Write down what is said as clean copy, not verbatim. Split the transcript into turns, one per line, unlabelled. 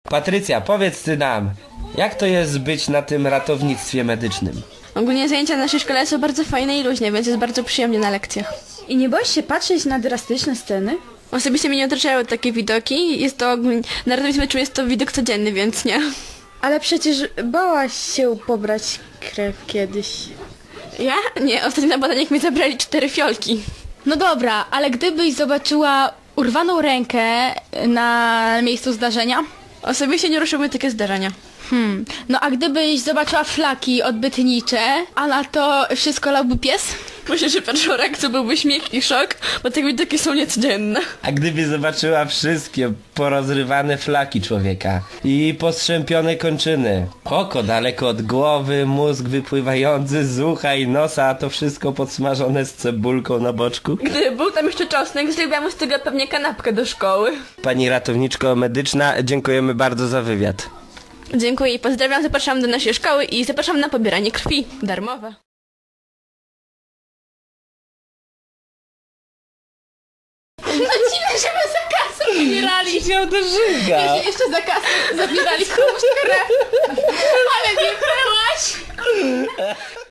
Patrycja, powiedz ty nam, jak to jest być na tym ratownictwie medycznym?
Ogólnie zajęcia w naszej szkole są bardzo fajne i luźne, więc jest bardzo przyjemnie na lekcjach.
I nie boisz się patrzeć na drastyczne sceny?
Osobiście mnie nie otaczają takie widoki. Jest to ogólnie, na ratownictwie jest to widok codzienny, więc nie.
Ale przecież bałaś się pobrać krew kiedyś.
Ja? Nie, ostatnio na badaniach mi zabrali 4 fiolki.
No dobra, ale gdybyś zobaczyła urwaną rękę na miejscu zdarzenia?
Osobiście nie ruszyły takie zdarzenia.
No a gdybyś zobaczyła flaki odbytnicze, a na to wszystko lałby pies?
Myślę, że pierwszą reakcją byłby śmiech i szok, bo takie widoki są niecodzienne.
A gdyby zobaczyła wszystkie porozrywane flaki człowieka i postrzępione kończyny, oko daleko od głowy, mózg wypływający z ucha i nosa, a to wszystko podsmażone z cebulką na boczku?
Gdyby był tam jeszcze czosnek, zrobiłam z tego pewnie kanapkę do szkoły.
Pani ratowniczko medyczna, dziękujemy bardzo za wywiad.
Dziękuję i pozdrawiam, zapraszam do naszej szkoły i zapraszam na pobieranie krwi. Darmowe.
No dziwne, żeby za kasę zabierali.
Chciał do żyga.
Jeszcze za kasę zabierali komuś krew. Ale nie byłaś.